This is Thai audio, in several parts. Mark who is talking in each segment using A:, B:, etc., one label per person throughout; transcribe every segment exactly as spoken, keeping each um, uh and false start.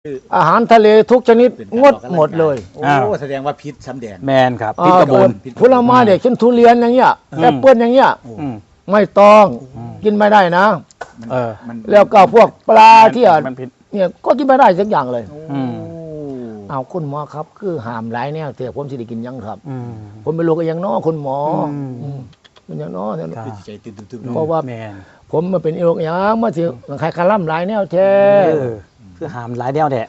A: อาหารทะเลทุกชนิดงดหมดเลย
B: โอ้แสดงว่าพิษซ้ำแดง
C: แมนครับพิษกระบุน
A: ผลไม้เด็กเช่นทุเรียนอย่างเงี้ยแอปเปิ้ลอย่างเงี้ยไม่ต้องกินไม่ได้นะ
C: เออ
A: แล้วก็พวกปลาที่เนี่ยก็กินไม่ได้สักอย่างเลยเอาคุณหมอครับคือห้ามหลายแนวแต่ผมสิได้กินยังครับผมไม่รู้ก็ยังน้อคุณหมอมันยังน้อเนี่ยเพราะว่าผมมาเป็นโรคยังมาสิใครคาร่ำหลายแนวแท้
C: คือห้ามหลายแนวแท้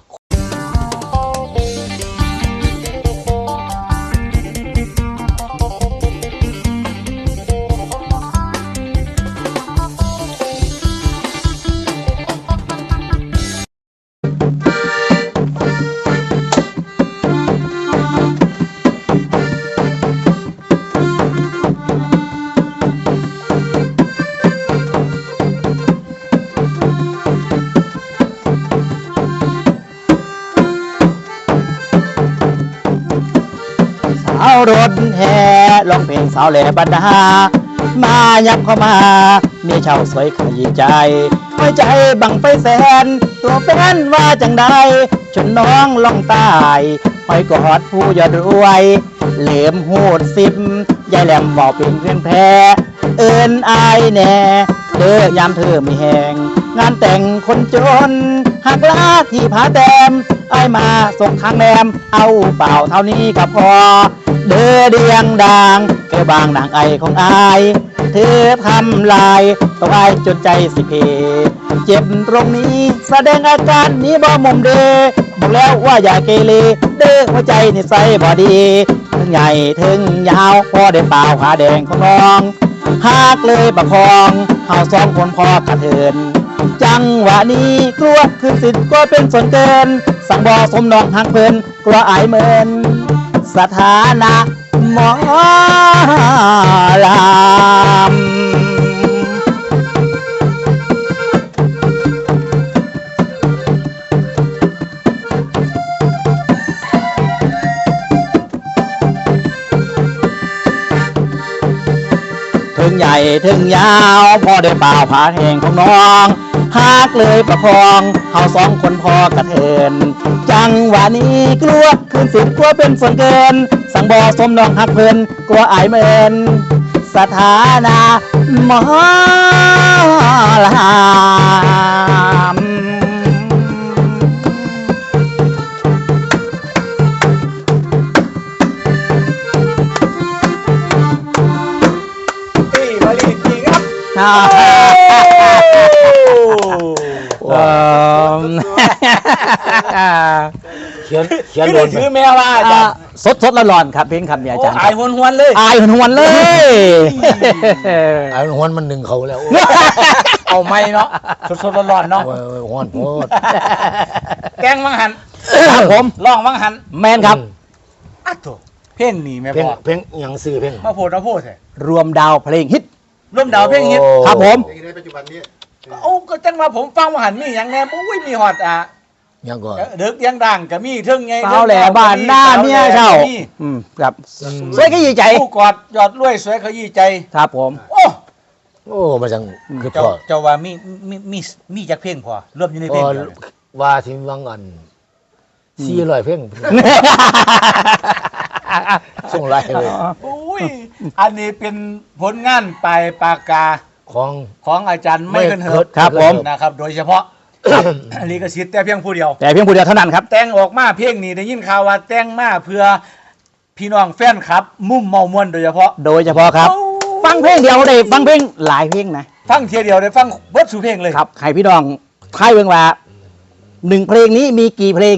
C: เอารถแห่ร้องเพลงสาวแหล่บรรดามายับเข้ามามีชาวสวยขยี้ใจหัวใจบังไปแสนตัวแฟนว่าจังใดชนน้องล่องตายหอยกอดผู้ยอดรวยเหลมหูดสิบยายแหลมบอกเป็นเพื่อนแพ้เอินอายแน่เธอยามเธอมีแหงงานแต่งคนจนหักลาที่ผาแต้มไอมาส่งทางแรมเอาเปล่าเท่านี้ก็พอเดือเดียงดังแค่บางนางไอของอายเธอทำลายต้องอายจนใจสิเพเจ็บตรงนี้แสดงอาการนี้บ่มุมเดบอกแล้วว่าอย่าเกเรเด้อหัวใจนิสัยบ่ดีถึงใหญ่ถึงยาวพอได้เปล่าขาแดงของน้องหากเลยประคองเฮาสองคนพอกระเทินจังหวะนี้กลัวคือสิทธิ์ก็เป็นส่วนเกินสั่งบ่สมน้องหักเพลินกลัวอายเมินสถานะหมอลำถึงใหญ่ถึงยาวพอได้เปล่าผาแห่งของน้องหากเลยประคองเฮาสองคนพอกระเทินจังหวะนี้กลัวคืนสิทธิ์กลัวเป็นส่วนเกินสั่งบ่สมน้องหักเพลินกลัวอายเมินสถานะหมอลำ
A: เขียนเขียนโดน
B: ถือแมวว่าอาจารย์
C: สดสดร้อนๆครับเพลงคำนี้อาจารย์
B: อายหวนหวนเลย
C: อายหวนหวนเลย
A: อายหวนมันหนึ่งเขาแล้ว
B: เอาไม่เนาะสดสดร้อนเนาะ
A: หวนโพด
B: แกงมังหัน
C: ครับผม
B: ร้องมังหัน
C: แมนครับ
B: อัดโถเพลงนี่แม่
A: พ่อเพลงอย่างซื้อเพลง
B: มาโพดมาโพดใช่
C: รวมดาวเพลงฮิต
B: รวมดาวเพลงฮิต
C: ครับผม
D: ในปัจจุบันนี้
B: โอ้ก็จังว่าผมฟังมังหันมีอย่างแน่ปุ้ยมีฮอดอ่ะ
A: ยังก่อน
B: เด็กยังดังก็มีเทิงไง
C: สาวแหล่บ้านหน้าเมียเช่าอืมครับสวยขยี้ใจ
B: ผู้กอดยอดรวยสวยขยี้ใจ
C: ครับผม
B: โอ้
A: โอ้มาจังคือ
B: พอเจ้าว่ามีมีมีมีจักเพลงพอรวมอยู่ในเพลง
A: ว่าที่วังอันสี่ร้อยเพลงส่งไลน์เลย
B: อุ้ยอันนี้เป็นผลงานปลายปากกา
A: ของ
B: ของอาจารย์ไม่เคินเหิด
C: ครับผม
B: นะครับโดยเฉพาะลิขสิทธิ์แต่เพียงผู้เดียว
C: แต่เพียงผู้เดียวเท่านั้นครับ
B: แต่งออกมาเพลงนี้ได้ยินข่าวว่าแต่งมาเพื่อพี่น้องแฟนครับมุ่มเมามวนโดยเฉพาะ
C: โดยเฉพาะครับฟังเพลงเดียวได้ฟังเพลงหลายเพลงนะ
B: ฟังเทียเดียวได้ฟังเบิดสู่เพลงเลย
C: ครับใครพี่น้องทายเบิ่งว่าหนึ่งเพลงนี้มีกี่เพลง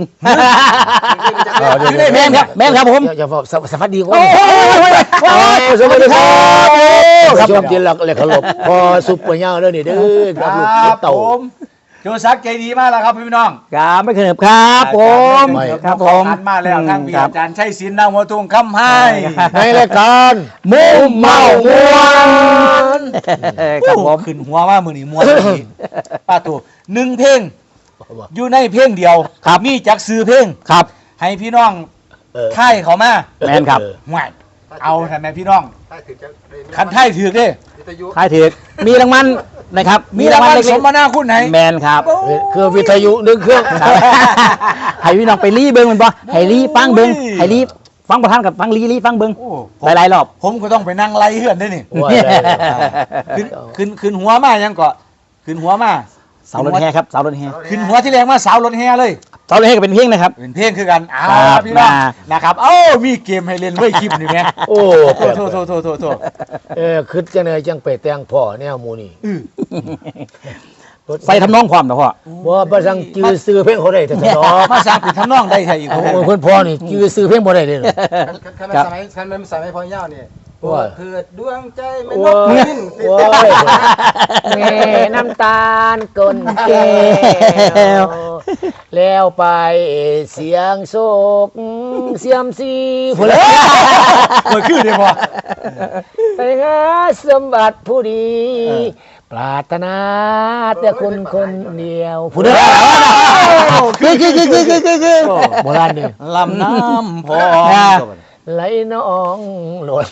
C: แม่ครับแม่ครับผม
A: อย่าบอกสวัสดีครับสวัสดีครับชมที่หลักเลยขลบพอซุปเปอร์ย่างเรื่องนี้เด้อครับลูกเต่า
B: โจซักใจดีมากแล้วครับพี่น้อง
C: ครับไม่เคยครับผม
B: ครับผมมาแล้วทางพี่อาจารย์ชัยศิลป์นางวัวทุ่งคำให้
A: ในรายการ
C: มุมเมามวน
B: ครับผมขึ้นหัวว่ามือนี่มวนป้าตู่หนึ่งเพลงอยู่ในเพลงเดียว
C: ครับ
B: มีจักซื้อเพลง
C: ครับ
B: ให้พี่น้องไทยเขามา
C: แมนครับ
B: ห่วยเอาทำไมพี่น้องคันไทยถือเด้
C: ไทยถือมีรางวัลนะครับ
B: มีรางวัล
C: เล็
B: ส
C: ก
B: มนาคุณไหน
C: ๆแมนครับ
A: คือวิทยุหนึ่งเครื่อง
C: ให้พี่น้องไปรีเบิ้งมันบ่ให้รีฟังเบิ้ง
B: โอ้ย
C: ให้รีฟังประธานกับฟังรีรีฟังเบิ้ง
B: โอ้
C: หลายๆรอบ
B: ผมก็ต้องไปนั่งไล่เฮือนด้วยนี่
A: โอ้ยได้เลย
B: ขึ้นขึ้นขึ้นหัวมายังก็ขึ้นหัวมา
C: เสารถแห่ครับเสารถแห่
B: ขึ้นหัวที่แรงมาสาวรถแห่เลย
C: เสารถแห่ก็เป็นเพลงนะครับ
B: เป็นเพลงคือกันอ้า
C: ครับ
B: วพี่น้อง
C: มา
B: นะครับเอ้ามีเกมให้เล่นด้วยคลิปนี่แม่
A: โอ้
B: โทษโทษโทษโทษโทษโทษ
A: เออคือจังเลยจังไปแต่งพ่อแนวหมูนี่
B: อื้อ
C: ใส่ทำนองความนะพ่อ
A: บ่บ่สั่งจื้อซื้อเพลงเขาได้แต่ตลอด
B: มาสร้างเป็นทำนองได้ใช่อีก
A: โอ้
B: โอ้
A: โหคนพ่อนี่จื้อซื้อเพลงบ่ได้เลยเหรอ
D: คันมันสมัยคันมันสมัยพอย่าเนี่ย
A: ว่า
D: เพื่อดวงใจไม่
A: โอ้
D: นก
A: ย
D: บินติด
A: โอ้ยแม่น้ำตาลก้นแก้วแล้วไปเสียงโศกเสียมซีผู้เล่
B: เปิดขึ้นเลยพอ
A: ไปหาสมบัติผู้ดี ปรารถนาแต่คนคนเดียวผู้เดียว
C: คือคือคือคือคือคือคือ
A: โบราณนี่
B: ลำน้ำพอ
A: ไหลน้องหล่น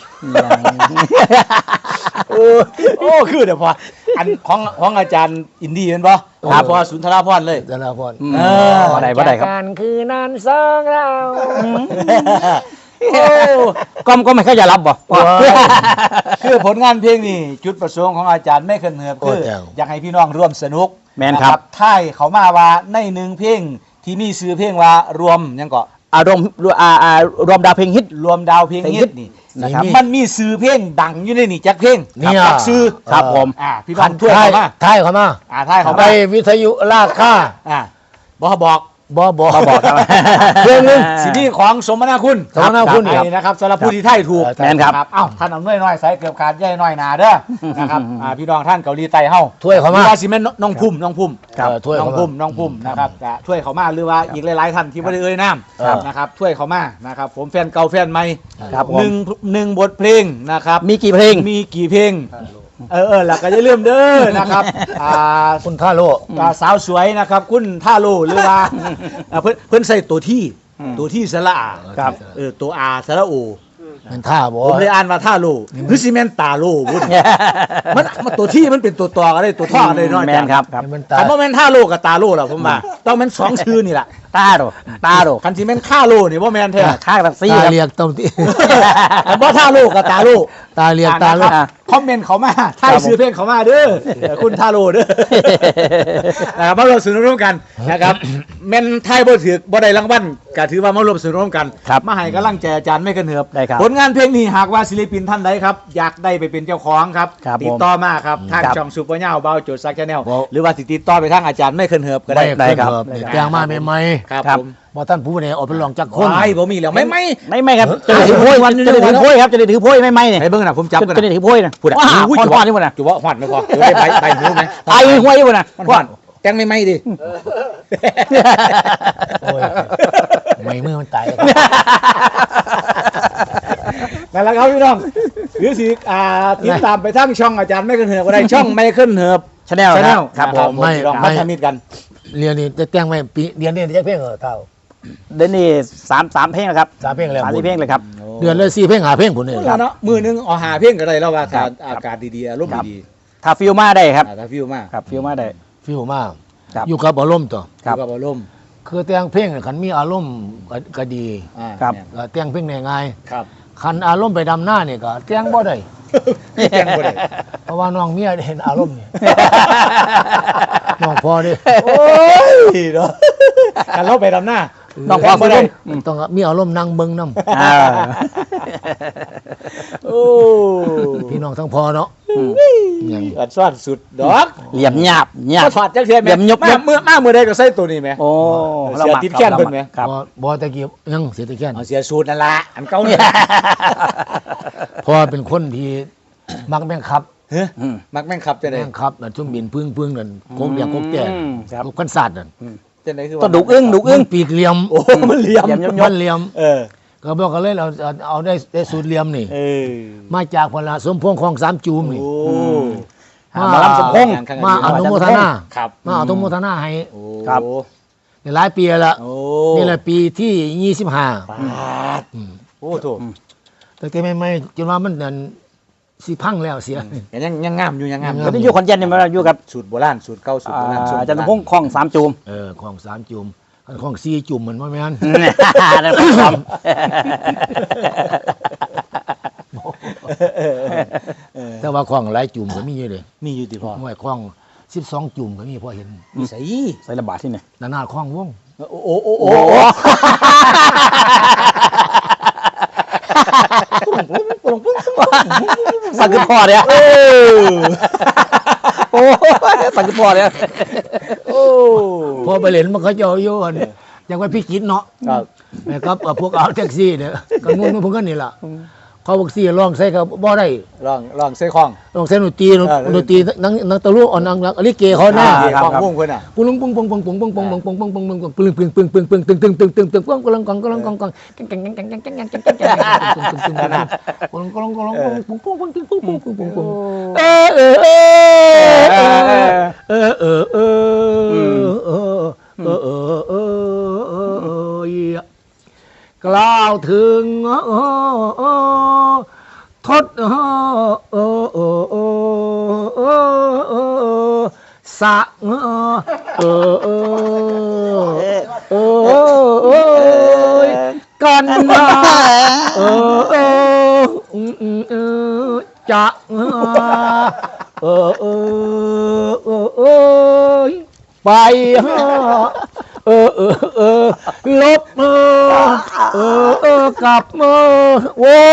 B: โอ้โอ้คือเดี๋ยวพออันของของอาจารย์อินดี้เป็นป่ะครับพอสุนทรภพเลย
A: แต่ละคน
C: เออบ่ได้บ่ได้ครับ
A: จากการคือนานสองเรา
B: โอ้
C: ก็ก็ไม่ค่อยจะรับบ่พ่อ
B: คือผลงานเพลงนี่จุดประสงค์ของอาจารย์ไม่เคยเหนือบคืออยากให้พี่น้องร่วมสนุก
C: แม่นครับ
B: ท้ายเขามาว่าในหนึ่งเพลงที่มีชื่อเพลงว่ารวมยังก็
C: อารมณ์อ่าอ่ารวมดาวเพลงฮิต
B: รวมดาวเพลงฮิตนี่
C: นะครับ
B: มันมีชื่อเพลงดังอยู่ในนี่จักเพลง
A: เนี่ย
B: จักชื่อ
C: ครับผม
B: อ่าพี่น้องช่วยเขามา
A: ท้ายเขามา
B: อ่าท้ายเขา
A: ไป
B: มา
A: วิทยุลากค่า
B: อ่าบอกบอก
A: บ่บ่
C: บ่บอกครับ
A: เพลงหนึง
B: สินี่ของสมนาคุณ
A: สมนาคุณ
B: ครับนะครับสำหรับผู้ที่ไทยถูก
A: ครับ
C: แม่นครับ
B: เอ้าท่านเอาน้อยน้อยใส่เกือบขาดใหญ่น้อยหนาเด้อนะครับอ่าพี่น้องท่านเกาหลีใต้เฮา
A: ถ้วยเขามา
B: หรือว่าสิแม่นน้องพุ่มน้องพุ่ม
A: ครับเออถ้วย
B: น้อง
A: เขามา
B: พุ่มน้องพุ่มนะครับจะช่วยเขามาหรือว่าอีกหลายๆท่านที่ไม่ได้เอ่ยนาม
A: ครับ
B: นะครับช่วยเขามานะครับผมแฟนเก่าแฟนใหม่
C: ครับผม
B: หนึ่งหนึ่งบทเพลงนะครับ
C: มีกี่เพลง
B: มีกี่เพลงเออเออหลักก็อย่าลืมเด้อนะครับอ่า
A: คุณท่าโล
B: อ่าสาวสวยนะครับคุณท่าโลหรือว่าอ่าเพิ่นเพิ่นใส่ตัวที่ตัวที่สระอา
C: ครับ
B: เออตัวอาสระโอ
A: มันท่าบ่
B: ผมเลยอ่านว่าท่าโลหรือซีเมนตาโลบุญมันมันตัวที่มันเป็นตัวตออะไรตัวท่ออะไรเน้อย
C: แมนครับครับ
A: มันตา
B: คันว่าแม่นท่าโลกับตาโลล่ะผมว่าต้องแม่นสองชื่อนี่แหละ
C: ตาโดตาโด
B: คันซีเมนท่าโลนี่ว่าแม่นแท้
C: ข้างแท็กซี่
A: ตา
C: ครับ
A: เรียกต้มที่
B: คันว่าท่าโลกับตาโล
A: ตาเรียกตาโล
B: อ่นะครับคอมเมนต์เขามาถ้าซื้อเพลงเขามาเด้อเออคุณท่าโลเด้อนะครับมาร่วมสนุกร่วมกันนะครับแม่นไทยบ่ถือบ่ได้รางวัลก็ถือว่ามาร่วมสนุกร่วมกัน
C: ครับ
B: มาให้กำลังใจอาจารย์ไม่กันเหือบ
C: ได้ครับ
B: ผลงานเพลงนี้หากว่าศิลปินท่านใดครับ อยากได้ไปเป็นเจ้าของครับ
C: ครับ
B: ติดต่อมาครับทาง
C: ครับ
B: ช่องซูเปอร์เน่าเบาโจทย์ซักชาแนล
A: ครับ
B: หรือว่าติดต่อไปทางอาจารย์ไม่เคินเหือบก็ได้
C: ได้ครับ
A: เนี่ยแปลงมาใหม่
B: ครับ
C: ครับ
B: ผม
A: ๆบ่ท่านผู้ใดออกไปลองจักคน
B: ไม่ผมมีแล้วไม่ไม่
C: ไม่ไม่ครับจะได้ถือโพยวันจะได้ถือโพยครับจะได้ถือโพยไม่ไม่เนี่ย
B: ให้เบิ่งนะผมจับกัน
C: จะได้
B: นะ
C: ถือโพยนะ
B: พูดอ่ะ
C: ว้า
B: อุ้ย
C: ค
B: จุ
C: น
B: บ
C: ว่านี่มันนะ
B: จุบหวัดไม่พอเดี๋ยวได้ใบใบหูไหม
C: ตายห้วยมันนะ
B: มันหวัดแจ้งไม่ไม่ดิ
A: โอ้ยไม่มือมันตาย
B: นั่นแหละครับพี่น้องหรือสิอ่าติดตามไปทั้งช่องอาจารย์ไม่เคินเหือบก็ได้ช่องไม่เคินเหือบ
C: ชาแนล
B: ชาแนล
C: ครับผม
B: ไม่ลองมาทำมิตรกัน
A: เรียนนี่จะแต่งไว้ปีเดือนนี้จะเพลงเหรอเท่า
C: เดี๋ยวนี้สามสามเพลงแล้วครับ
A: สามเพลงแล้ว
C: สามสี่เพลงเลยครับ
A: เดือนละสี่เพลงหาเพลงผุนนี่
B: แล้วเนาะมือนึงเอาหาเพียงก็ได้แล้วว่า
C: ครั
B: ถ้า
C: บ
B: อากาศดีๆอารมณ์
C: ครับ
B: ดี
C: ถ้าฟิลมาได้ครับ
B: ๆอ่าถ้าฟิวมาก
C: ครับฟิลมาได้
A: ฟิวมาก
C: ครับ
A: อยู่กับอารมณ์ตัว
C: ครับ
B: อยู่กับอารมณ์
A: คือแต่งเพลงน่ะคันมีอารมณ์ก็ก็ดี
B: อ่า
C: ครับ
B: เนี่ย
A: ก็แต่งเพลงได้ง่าย
B: ครับ
A: คันอารมณ์ไปดำหน้านี่ก็แต่งบ่ได้
B: แจ้งบ่ได้
A: เพราะว่าน้องเมียเห็นอารมณ์นี่ น้องพอดิ
B: โอ้ยเนาะกันเราไปดำหน้า
C: น้องพอ
B: บ่ได้
C: อืม
A: ต้องมีอารมณ์นั่งเบิ่งนำ
C: อ่า
B: โอ้
A: พี่น้องทั้งพอเนาะ
C: อืม
A: หยัง
B: อัดซ่อนสุดดอก
C: เหลี่ยมหยาบหยาบ
B: ก็ถอดจักเทียนแม่
C: เดี๋ยวยก
B: มาเมื่อมาเมื่อใดก็ใส่ตัวนี้แหม
C: โอ้
B: เสียติดแค้นเพิ่นไหม
C: ครับ
A: บ่บ่ตะกี้ยังเสียตะแค่น
B: เอาเสียสูตรนั่นละอันเก่าเนี่ย
A: พอเป็นคนที่มักแม่งขับ
B: เฮ้ย
C: อืม
B: มักแม่งขับจะได้
A: แม่งขับนั่นชุ่มบินพึ่งพึ่งนั่นโกงอย่างโกงแก่
C: อืมครับ
A: ลูกกันศาสตร์นั่น
B: จะได้คือ
C: ก็ดุกอึ้งดุกอึ้ง
A: มันปีกเหลี่ยม
B: โอ้มันเหลี่ยม
C: เหลี่ยมย
A: มันเหลี่ยม
B: เออ
A: ก็บอกกันเลยเราเอาเอาได้ได้สูตรเหลี่ยมนี่
B: เออ
A: มาจากพลาสมพงษ์ของสามจูมนี่
B: โอ้
C: หาหมอลำสมพงษ์
A: มาอนุโมทนา
B: ครับ
A: มาอนุโมทนาให้
B: โอ้
C: ครับ
A: ในหลายปีแล้วละ
B: โอ้
A: นี่แหละปีที่ยี่สิบห้า
B: ปาดโอ้โถ
A: แต่แต่ไม่ไม่จนว่ามันนั่นสิพังแล้วเสีย
B: ยังยังงามอยู่ยังงาม
A: ยัง
C: ต
A: งา
C: อนนี้อยู่ขอนแก่นนี่มาอยู่กับ
B: สูตรโบราณสูตรเก่าสูตรโบราณสูตร
C: อาจารย์พงษ์คลองสามจูม
A: เออของสามจุ่มอันของสี่จุ่มเหมือนว่าแม่น
C: นั่นเป็นค
A: แต่ว่าของหลายจุ่มก็มีอยู่เลย
B: มีอยู่ติพ่อ
A: ห้วยของสิบสองจุ่มก็มีพอเห็น
B: มีใส่
C: ำใส่ระบาดที่ไหน
A: นานาของวง
B: โอ้โอ้โอ้โอ้
C: สังคือพ่อเนี่ยโอ้สังคือพ่อเนี่ย
B: โอ้
A: พอไปเล่นมันเขาจะเอาอยู่อันยังไว้พี่กินเนาะ
B: ครับ
A: นะครับเอ่อพวกเอาแท็กซี่เนี่ยก็งุ่นพวกกันนี่ล่ะเขาบอกซี่ร้องใส่ก็บ่ได้
B: ลองลองใส่ของ
A: ร้องใส่ดนตรี
B: เออ
A: ดนตรีนังนังตะลุอ่อนนังนังลิเกเขาหน้า
B: ของวงเพิ่นน่ะ
A: ปุ้งปุ้งปุ้งปุ้งปุ้งปุ้งปุ้งปุ้งปุ้งปุ้งปุ้งปุ้งปุ้งปึ้งปึ้งปึ้งปึ้งปึ้งตึงตึงตึงตึงตึงปุ้งกำลังกองกำลังกองกองกังกังกังกังกังกังกังกังกังกังกำลังกำลังกำลังปุ้งปุ้งปุ้งปุ้งปุ้งปุ้งปุ้งปุ้งเออเออเออเออเออเออเออเออเออเออเออ กล่าวถึงทศสะเออเออเออกันมาเออเออจะเออเออเออไปเออเออเออลบเออเออเออกลับมาโว้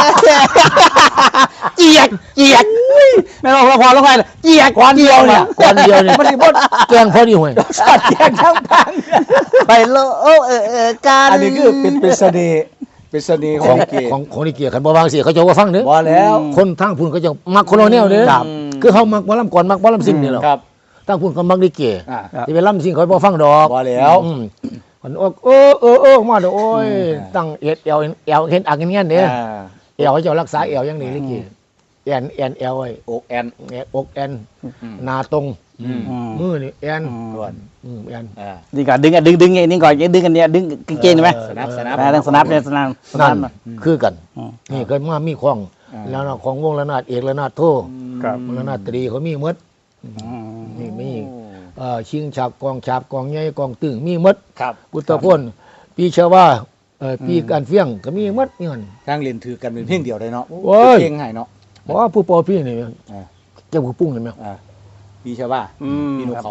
A: เจียกเจียกไม่ต้องละครละครเจียกคนเดียวเนี่ยคนเดียวเนี่ยมันบดแกงพอดีห่วยสัตว์แกงทั้งพัง
C: ไปโลเออเออการ
B: อันนี้คือเป็นเป็นเสน่ห์เป็นเสน่ห์ข
A: ข
B: อ
A: อง ง
B: ลิเก
A: ของของนี่เกียร์ขันบ่วางเสียเขาจะว่าฟังเด้อ
B: บ่แล้ว
A: คนทางพุ่นเขาจะมักคนละแนวเด้อ
B: ครับ
A: คือเขามักบ่ลำก่อนมักบ่ลำสิ่งนี่แหละ
B: ครับ
A: ทางพุ่นเขามักลิเก
B: อ่า
A: ที่ไปลำสิ่งเขาบ่ฟังดอก
B: บ่แล้ว
A: อืมมันโอ้เออเออเออมาเด้อโอ้ยตั้งเอ็ดเอวเอวเห็นอักเงี้ยเด้อ
B: อ่า
A: เอวเขาจะรักษาเอวอย่างนี้ลิเกแอนแอนเอวไว้
B: อกแอน
A: แอนอกแอน
B: อืม
A: หน้าตรง
B: อืม
A: มือนี่แอน
B: ด่วน
A: อืมแอน
B: อ่า
C: นี่ก่อนดึงอ่ะดึงดึงไอ้นี่ก่อนดึงกันเนี่ยดึงกางเกงไหม
B: สนับสนับ
C: แรงสนับเนี่ยสนับสนั
A: นั่
C: บ
A: นคือกัน
C: อืม
A: นี่เคยมามีของ
B: อ่า
A: แล้วนะของวงระนาดเอกระนาดโท
C: ครับ
A: ระนาดตรีเขามีหมดมีมีเอ่อชิงฉาบกองฉาบกองใหญ่กองตึงมีหมด
B: ครับ
A: พุทธพจน์ปีชาวาเอ่อปีการเฟี้ยงก็มีหมดนี่มัน
B: ทางเรียนถือกันเป็นเพียงเดียวเลยเนาะ
A: โอ้ย
B: เพลงให้เนาะ
A: เพราะว่าผู้ปอพี่นี่
B: อ่า
A: เจ้าผู้ปุ้งเลยไหม
B: อ่าพี่ชาวบ้า
C: อืม
B: พี่นกเขา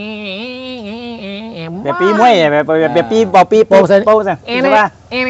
C: แบบปีมวยแบบแบบแบบปีบอปีโปเซนโปเซนใช่ป่ะ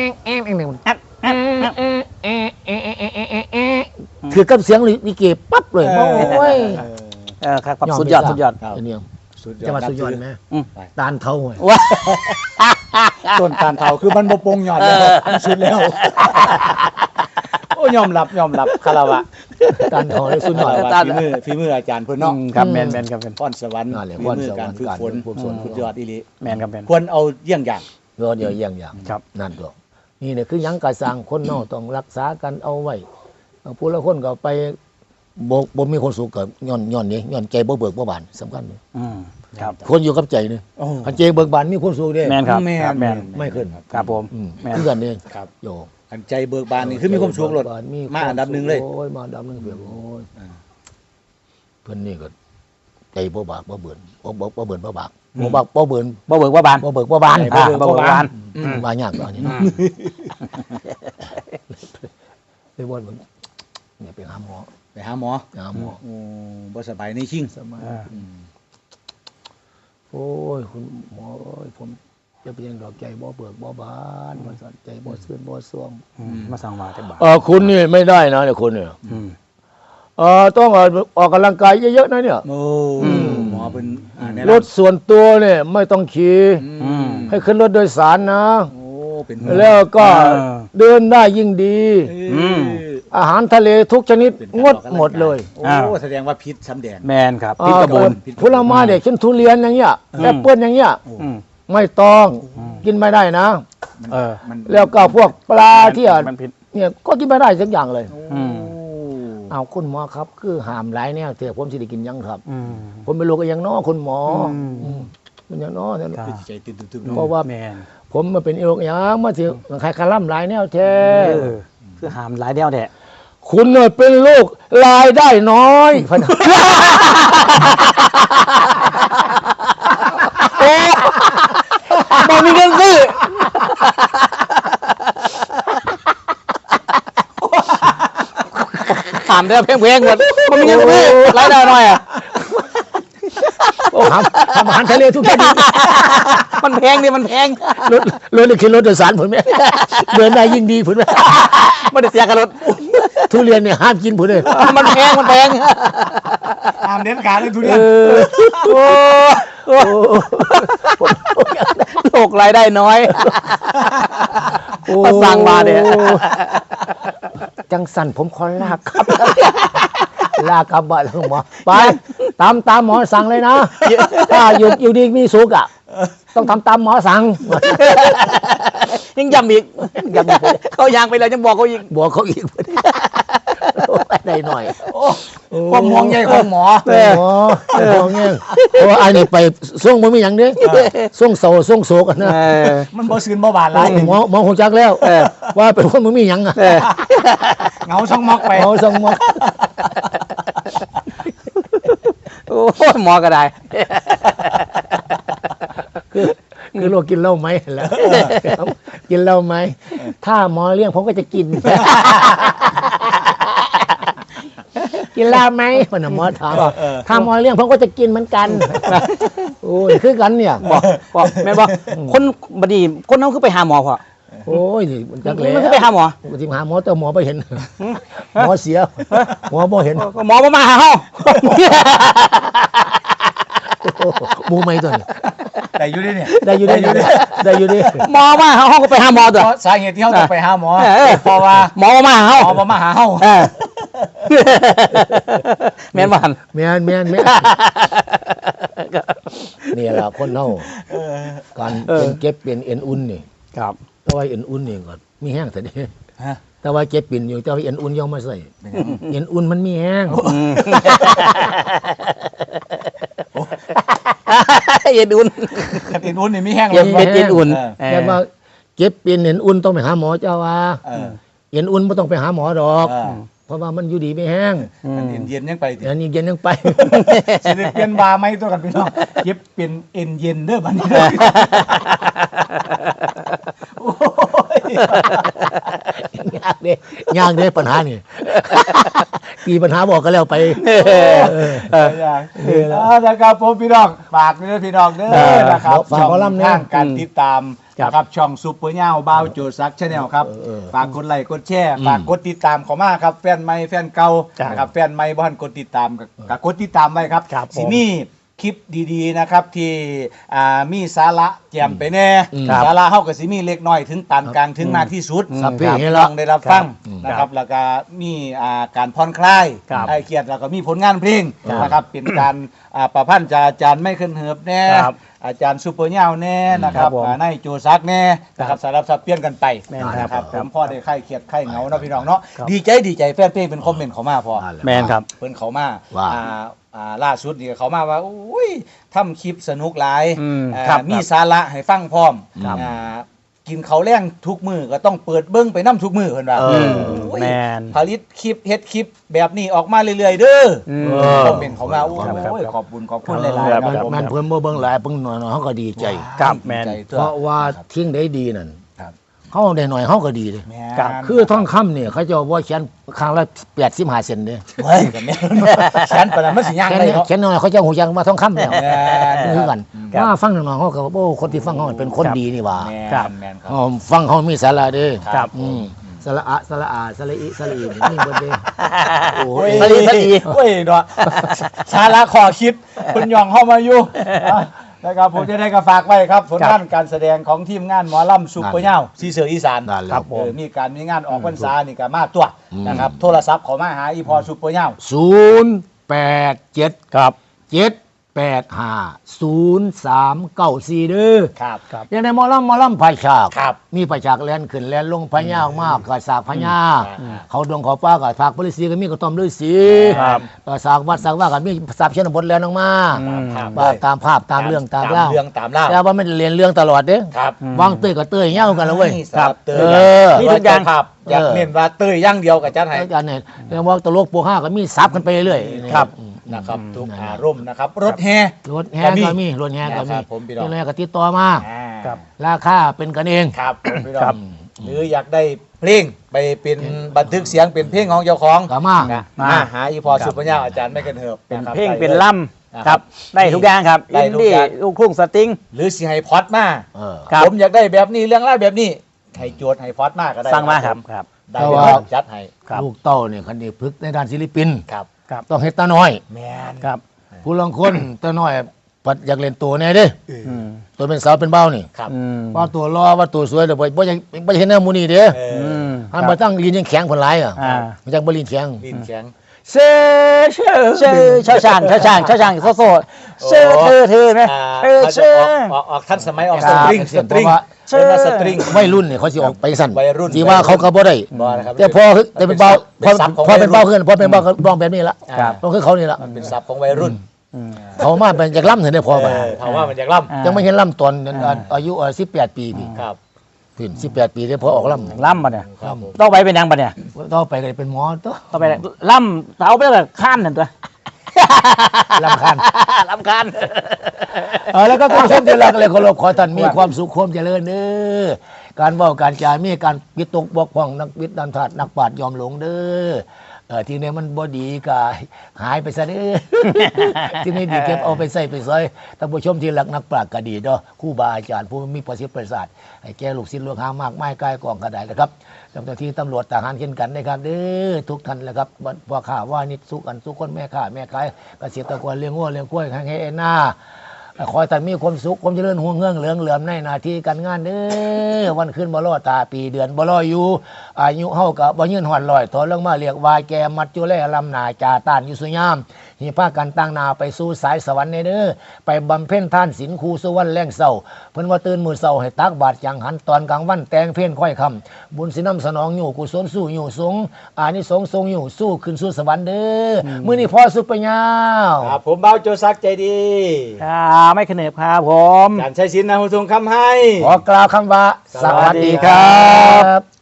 A: คือกับเสียงลิเกปั๊บเลยโอ้ย
C: เออครับสุดยอดสุดยอด
B: ครับ
A: อันนี้
B: สุดยอด
A: จะมาสุดยอดไหม
C: อืม
A: ตานเท่าไง
C: ว้า
B: ต้นตาลเทาคือมันบ่โปงยอดแล้วมันสุดแล้วโอ้ยอมรับยอมรับคารวะ
A: ตานเท่าเลยสุดยอด
B: คารวะฝีมือฝีมืออาจารย์เพิ่นเนาะ
C: ครับแมนแมนครับแมน
B: พรสวรรค์
A: นั่นแหละ
B: ฝี
A: พร
B: มือ
A: สวรรค์
B: การฝึกฝน
A: การฝึกฝน
B: สุดยอดอีหลี
C: แมนครับแมน
B: ควรเอาเยี่ยงอย่าง
A: เดี๋ยวเดี๋ยวอย่างอย่าง
C: ครับ
A: นั่นตัวนี่เนี่ยคือหยังกระสังคนเนอกต้องรักษากันเอาไว้ผู้ละคนก็ไปบ่บ่มีคนสุขกับย้อนย้อนนี่ย้อนใจบ่เบิกบ่บานสำคัญเลย
C: อืมครับ
A: คนอยู่กับใจนี่
B: โอ้
A: คันใจเบิกบานมีคนสุขเด้
C: แมนครับ
B: แม่
C: ครับแมน
A: ไม่ขึ้น
C: ครับผม
A: อืม
C: แม่น
A: คือกันเอง
B: ครับ
A: โย
B: อันใจเบิกบานนี่คือมีความสุขหลด
A: เบิกบนมี
B: มาอันดับหนึ่งเลย
A: โอ้ยมาอันดับหนึ่งเปรียบโอ้ย
B: อ่า
A: เพิ่นนี่ก็ใจบ่บากบ่เบิ่นบ่บ่บ่เบิ่นบ่บากบ่บากบ่เบิ่น
C: บ่เบิกว่าบาน
A: บ่เบิกบ่บาน
C: อ่าบ่เบิกว่าบาน
A: อืมว่ายากตอนนี้ไปบ่นเบิ่งเนี่ยไปหาหมอ
B: ไปหาหมอ
A: ไปหาหมอ
B: โอ้บ่สบายในชิง
A: สมัย
C: อ่า
B: อืม
A: โอ้ยคุณหมอเอ้ยผมจะเป็นดอกใจบ่เบิกบ่บานบ่สนใจบ่ซื่นบ่ซ่วง
C: อืมมาสั่งมาแต่บาท
A: เออคุณนี่ไม่ได้นะเนี่ยคุณเนี่ย
C: อืม
A: เออต้องออกออกกำลังกายเยอะๆนะเนี่ย
B: โอ้
A: อืม
B: หมอเป็นอ่าแนะ
A: ร
B: นำ
A: ถส่วนตัวเนี่ยไม่ต้องขี่
B: อืม
A: ให้ขึ้นรถโดยสารนะ
B: โอ้เป็น
A: แล้วก็
C: เออ
A: เดินได้ยิ่งดี
C: อืม
A: อาหารทะเลทุกชนิด
B: เป็น
A: งดหมดเลย
B: โอ้
C: อ้าว
B: แสดงว่าพิษซ้ำแดง
C: แมนครับพิษกระบน
A: ผลไม้เด็กเช่นทุเรียนอย่างเงี้ย
C: อืม
A: แอปเปิ้ลอย่างเงี้ย
C: อืม
A: ไม่ต้อง
C: อืม
A: กินไม่ได้นะ
B: มัน
C: เออ
B: มัน
A: แล้วก็พวกปลาที่อ่ะ
C: มันผิด
A: เนี่ยก็กินไม่ได้สักอย่างเลย
C: อืม
A: เอาคุณหมอครับ คือห้ามหลายแนวแต่ผมสิได้กินหยังครับ
C: อืม
A: ผมเป็นโรคอย่างน้อคุณหมออ
C: ม
A: อืมเป็นอย่างน้อเนี่ย
C: ครับ
B: ใจตื่นตึมๆ
A: เพราะว่า
C: แมน
A: ผมมาเป็นโรคอย่างมาถึงใครคาร่ำหลายแนวแท้
C: เออคือหามหลายเดียวแท้
A: คุณเนี่ยเป็นลูกรายได้น้อยพะนะ
C: โอ้บ่มีเงินซื้อถามเด้อเพลงๆหมดบ่มีเงินซื้อรายได้น้อยอ่ะ
A: ทำทำอาหารทะเลทุกชนิด
C: มันแพงดิมันแพง
A: รถรถนี่คือรถโดยสารผมเนี่ยเดินได้ยิ่งดีผมเนี่ย
C: ไม่ได้เสียกับรถ
A: ทุเรียนเนี่ยห้ามกินผมเลย
C: มันแพงมันแพง
B: ตามเด็ดขาดเลยทุเรียน
C: โอ้โอ้โลกรายได้น้อยมาสั่งมาเนี่ย
A: จังสันผมขอลากครับ ลากกลับบ้านแล้วหมอไปตามตามหมอสั่งเลยนะถ้าอยู่อยู่ดีมีสุขอ่ะต้องทำตามหมอสั่ง
C: ยังย้ำอีกย้ำอีกเขายางไปแล้วยังบอกเขาอีก
A: บอกเขาอีกได้หน่อย
B: ความห่วงใยของหมอ
A: หมอหมอเงี้ยเพราะว่าอันนี้ไปส่งมันมีอย่างเนี้ยส่งโศส่งโศกันนะ
B: มันบ่ซื่นบ่บานหลาย
A: หมอหมอคงจักแล้วว่าเป็นคนมันมีอย่างอ่ะ
B: เหงาช่องมอกไป
A: หมอส่งหมอ
C: โอ้ยหมอก็ได้
A: คือคือโรคกินเหล้าไหมแล้วกินเหล้าไหมถ้าหมอเลี้ยงผมก็จะกิน กินเหล้าไหมคนน่ะหมอถามถ้าหมอเลี้ยงผมก็จะกินเหมือนกันโอ้ยคือกันเนี่ย
C: บอกบอกแม่บอกคนบดีคนนั้นคือไปหาหมอพอ
A: โอ้ยนี่มันจักเลย
C: มันคือไปหาหมอ
A: ที่หาหมอแต่หมอไปเห็นหมอเสียหมอบ่เห็น
C: หมอมาหาเฮา
A: หมูไม่ตัวนี้
B: แต่อยู่ดิเนี่ย
A: ได้อยู่ได้อยู่ได้ได้อยู่ดิ
C: หมอมาหาเฮาก็ไปหาหมอตัว
B: เพราะสาเหตุที่เขาต้องไปหาหมอ
C: เออ
B: เพราะว่า
C: หมอมาหาเฮา
B: หมอบ่มาหาเฮา
C: เออแม่นบ่หั่น
A: แม่นแม่นแม่นนี่แหละคนเฮาการเป็นเก็บเป็นเอ็นอุ่นนี่
C: ครับ
A: แต่ว่าเอ็นอุ่นนี่ก็มีแห้งแต่นี่
B: ฮะ
A: แต่ว่าเก็บปิ่นอยู่แต่ว่าเอ็นอุ่นยังมาใส่เอ็นอุ่นมันมีแห้ง
C: เย็นอุ่น
B: คันอินอุ่นนี่มีแห้ง
C: เย็น
B: บ่
C: เย็นอุ่น
B: เออ
A: แต่ว่าเก็บปิ่นเอ็นอุ่นต้องไปหาหมอเจ้าว่า
B: เออ
A: เอ็นอุ่นไม่ต้องไปหาหมอดอก
B: เออ
A: เพราะว่ามันอยู่ดีไม่แห้ง
B: อันเย็นๆยังไปติ
A: อันนี้เย็นยังไป
B: สิได้เปลี่ยนบาไหมตัวกันพี่น้องเย็บเป็นเอ็นเย็นเด้อบัดนี้โอ้ย
A: ยากเด้ยากเด้ปัญหานี่ ปีปัญหาบอกก็แล้วไป
B: เอออย่างอ่านะครับผมพี่น้องฝากด้วยพี่น้องเด้อนะครับ
A: ฝากหมอลำเนี่ย
B: ทางการติดตามนะครับช่องซุปเปอร์เน่าบ่าวโจซักชาแนลครับ
A: เออเออ
B: ฝากกดไลค์กดแชร์ฝากกดติดตามเขามาครับแฟนใหม่แฟนเก่านะครับแฟนใหม่บ่ทันกดติดตามก็ก็กดติดตามไว้ครับ
C: ครับผม
B: สิมีคลิปดีๆนะครับที่อ่ามีสาระแจ่มไปแน่
C: ครับ
B: สาระเฮาก็สิมีเล็กน้อยถึงปานกลางถึงมากที่สุด
A: ครับ
B: พี่
A: พี่
B: น้องได้รับฟัง
C: ครับ
B: นะครับแล้วก็มีอ่าการผ่อนคลาย
C: ครับ
B: ไอ้เครียดแล้วก็มีผลงานเพลง
A: ครับ
B: นะครับเป็นการอ่าประพันธ์จากอาจารย์ไม่ขึ้นเหิบแน่
C: ครับ
B: อาจารย์ซูเปอร์เน่าแน่นะครับ
C: ครับผม
B: อ่าในโจซักแน่นะครับสารบสับเปลี่ยนกันไป
C: แม่น
B: นะครับ
C: ครับ
B: ผมพ่อได้ไข้เครียดไข้เหงาเนาะพี่น้องเนาะ
C: ครับ
B: ดีใจดีใจแฟนเพลงเป็นคอมเมนต์เขามาพอ
C: แมนครับ
B: เพิ่นเขามา
A: ว่า
B: อ่าอ่าล่าสุดนี่เขามาว่าอุ้ยทำคลิปสนุกหลาย
C: อืม
B: อ่า
C: ครับ
B: มีสาระให้ฟังพร้อม
A: ครับ
B: อ่ากินเขาวแรงทุกมือก็ต้องเปิดเบิ้งไปน้ำทุกมือเพิ่นว่า
A: เออ
B: โอ้ย
C: แมน
B: ผลิตคลิปเฮ็ดคลิปแบบนี้ออกมาเรื่อยๆเด้อ
C: อืม
A: เออ
B: คอมเมนต์เขามาโอ้
C: ครับครับ
B: ย
C: ครับ
B: ขอบคุณขอบคุณหลายๆ
C: ครับ
B: ครับผม
A: มันเพิ่นบ่เบิ่งหลายเพิ่งหน่อยๆเขาก็ดีใจ
C: ครับแม่น
B: ดีใจ
A: เพราะว่าทิ้งได้ดีนั่น
B: ครับ
A: เขาได้หน่อยเขาก็ดีเลย
B: แม่
C: ครับ
B: น
A: คือท่องคำเนี่ยเขาจะว่าเขียนครั้งละแปดสิบห้าเซนเด้
B: เฮ้ยกับแม่นแขนปานนั้นมันสิย่าง
A: เขียน
B: ได้เนาะ
A: เขียนหน่อยเขาจะหูยังมาท่องคำแล้ว
B: แม่น
A: คือกัน
C: ครับ
A: ว่าฟังหน่อยๆเขาก็ว่าโอ้คนที่ฟังเขาเป็นคนดีนี่หว่า
B: แม่น
C: ครับ
B: แม่นครับ
A: อ๋อฟังเขามีสาระเด้
C: ครับ
A: อืมสระอะสระอาสระอิสระอีนี่เบิดเด้โอ้
B: โอ้
A: ย
B: ย
C: สลีสลี
B: โอ้ยเนาะสาระขอคิดคุณยองเข้ามาอยู่อ่ะนะครับผมจะได้ก็ฝากไว้ครับผลงานการแสดงของทีมงานหมอลำซุปเปอร์เน่าซีเสืออีสาน
A: นั่นแหละ
B: ครับ
C: ผม
B: เออมีการมีงานออกพรรษานี่ก็มาตัว
A: อืม
B: นะครับโทรศัพท์เขอมาหาอีพอซุปเปอร์เน่า
A: ศูนย์แปดเจ็ด
C: ครับ
A: เจ็ดแปดห้าศูนย์สามเก้าสี่เด้อ
B: ครับครับ
A: ยังในหมอลำหมอลำพายฉาก
B: ครับ
A: มีพายฉากแลนขึ้นแลนลงพญามากกระสากพญา
B: อืม
A: เขาดงเขาป้ากับภาคบริษีก็มีกระต้อมฤาษี
C: ครับ
A: ก็สากวัดสากว่ากับมีสับเชนบทแลนออกมา
C: อืม
B: ครับ
A: ว่าตามภาพตามเรื่องตามเล่า
B: เรื่องตามเล่า
A: แต่ว่าไม่ได้เรียนเรื่องตลอดเด้
B: ครับ
A: วางเต้ยกับเต้ยเงี้ยกันแล้วเว้ย
B: ครับเตย
A: เออ
B: มีทุกอย่างครับอยากเน้นว่าเตยอย่างเดียวกับจัดให้
A: อาจารย์เนี่ยเรื่องว่าตลกปวกห้าก็มีซับกันไปเรื่อยๆ
B: ครับ
A: อืม
B: นะครับทุกอารมณ์นะครับ รถแห่
A: รถแห่ก็มีรถแห่ก็มี
B: นะครับผมพี่น้อง
A: รถแห่ก็ติดต่อมา
B: อ่า
C: ครับ
A: ราคาเป็นกันเอง
B: ครับผมพี่น้
C: ครั
B: อบ งหรืออยากได้เพลงไปเป็นบันทึกเสียงเป็นเพลงของเจ้าของ
A: ก็มา
B: นะ
C: มา
B: มาหาอีพอสุปัญญาอาจารย์ไม่กันเหิบ
C: เป็น
B: นะครับ
C: เพลง
B: ได้
C: เป็น
B: ลย
C: ล่
B: นะ
C: ำครับ ได้ทุกอย่างครับ
B: ได้
C: อิน
B: ทุก
C: ดี้
B: อย่าง
C: ลูกทุ่งสตริง
B: หรือสิให้พอดมา
A: เออ
C: ครับ
B: ผมอยากได้แบบนี้เรื่องราวแบบนี้ให้โจทย์ให้พอดมาก็ได้
C: สั่งมาครับครับ
B: ได้
A: แต่
B: เลย
A: ว่า
B: จัดให้
C: ครับ
A: ลูกเต้าเนี่ยคันนี้พึกในด้านศิลปิน
B: ครับ
C: ครับ
A: ต้องเฮ็ดตาน้อย
B: แมน
C: ครับ
A: ผู้ลางคนตาน้อยปัดอยากเล่นตัวแน่เด้
C: อืม
A: ตัวเป็นสาวเป็นเบ้านี่
B: ครับ
C: อืม
A: ว่าตัวรอว่าตัวสวยแต่บ่บ่อยากบ่อยากเห็นหน้าหมูนี่เด้
B: เอ
C: อื
B: อ
C: ม
A: หันมาตั้งลีนยังแข็งผลหลายอ่ะ
C: อ่า
A: มันจังบ่ลีนแข็ง
B: ลิ้นแข็ง
A: เซ่เช่
C: เชื่อเช่าช่างเช่าช่างเช่าช่างโซโซเชื่อเธอเธอไหม
B: อ่า
C: เธอ
B: เขาจะ
C: เชื่อ
B: ออกออกออกทันสมัยออก
C: ค
B: ส
C: รับ
B: ตริงสตริง
C: เชื่อ
B: เป็นว่าสตริง
A: วัยรุ่นเนี่ยเขาสิออกไปสั่น
B: วัยรุ่น
A: สิว่าเขาก็บ่ได้
B: บ่นะครับ
A: แต่พอแต่เป็นเบาพอ
B: ศัพท์ของ
A: พอเป็นเบา
B: วัยรุ่น
A: ขึ้นพอเป็นเบาก็ร้องแบบนี้ละ
B: ครับ
A: ต้องคือเขานี่ละ
B: มันเป็นศัพท์ของวัยรุ่น
C: อืม
A: เขามาเป็นจากล่ำถึงได้พอไป
B: เออถามว่ามันอยากล่
C: อ่า
A: ยังไม่เห็นล่ำตอน
C: อ่า
A: อายุสิบแปดปีพี่
B: ำครับ
A: พี่สิบแปดปีได้พอออกล่ำ
C: ล่ำปะเนี่ย
B: ครับผม
C: ต้องไปเป็นยังปะเนี่ย
A: ต่อไปก็ได้เป็นหมอตัว
C: ต้องไปล่ำเอาไปแบบข้ามนั่นตัว
A: ลำคัน
C: ลำคาญ
A: เออแล้วก็ความสุขที่รักเลยเคารพขอท่านมีความสุขความเจริญเด้อการเว้าการจามีการวิตกบกพร่องนักวิทย์นันทานักปราชญ์ยอมหลงเด้อเออที่นี้มันบ่ดีก็หายไปซะเด้อ ที่นี่ดีเก็บเอาไปใส่ไปซอยท่านผู้ชมที่รักนักปราชญ์ก็ดีเนาะครูบาอาจารย์ผู้มีประสิทธิ์ประสาทให้แก่ลูกศิษย์ลูกหามากมายกายกองก็ได้นะครับเจ้าหน้าที่ตำรวจทหารเช่นกันนะครับเด้อทุกท่านแหละครับพ่อข้าว่านิดสุขอันสุขคนแม่ข้าแม่ขายเกษตรกรเลี้ยงวัวเลี้ยงกล้วยให้ให้หน้า ขอให้ท่านมีความสุขความเจริญห่วงเงื่องเหลืองเหลื่อมในหน้าที่การงานเด้อวันขึ้นบ่รอตาปีเดือนบ่รออยู่อายุเฮากับบ่ยืนหอดลอยถอนลงมาเรียกวายแกมัดจุแลลำนาจาต้านอยู่สุยามหิพากันตั้งนาไปสู่สายสวรรค์ในเด้อไปบำเพ็ญทานศีลครูสุวรรณแรงเศร้าเพิ่นว่าตื่นมื้อเช้าให้ตักบาตรจังหันตอนกลางวันแต่งเพลงค่อยคำบุญสินำสนองอยู่กุศลสู้อยู่สงอานิสงส์ทรงอยู่สู้ขึ้นสู่สวรรค์เด้ออมื้อนี้พอสุดปัญญา
B: ครับผมเบาโจซักใจดี
C: อ่าไม่ขนบครับผม
B: การใช้สินนะหุทงคำให้
A: ขอกล่าวคำว่า
C: สวัสดีครับ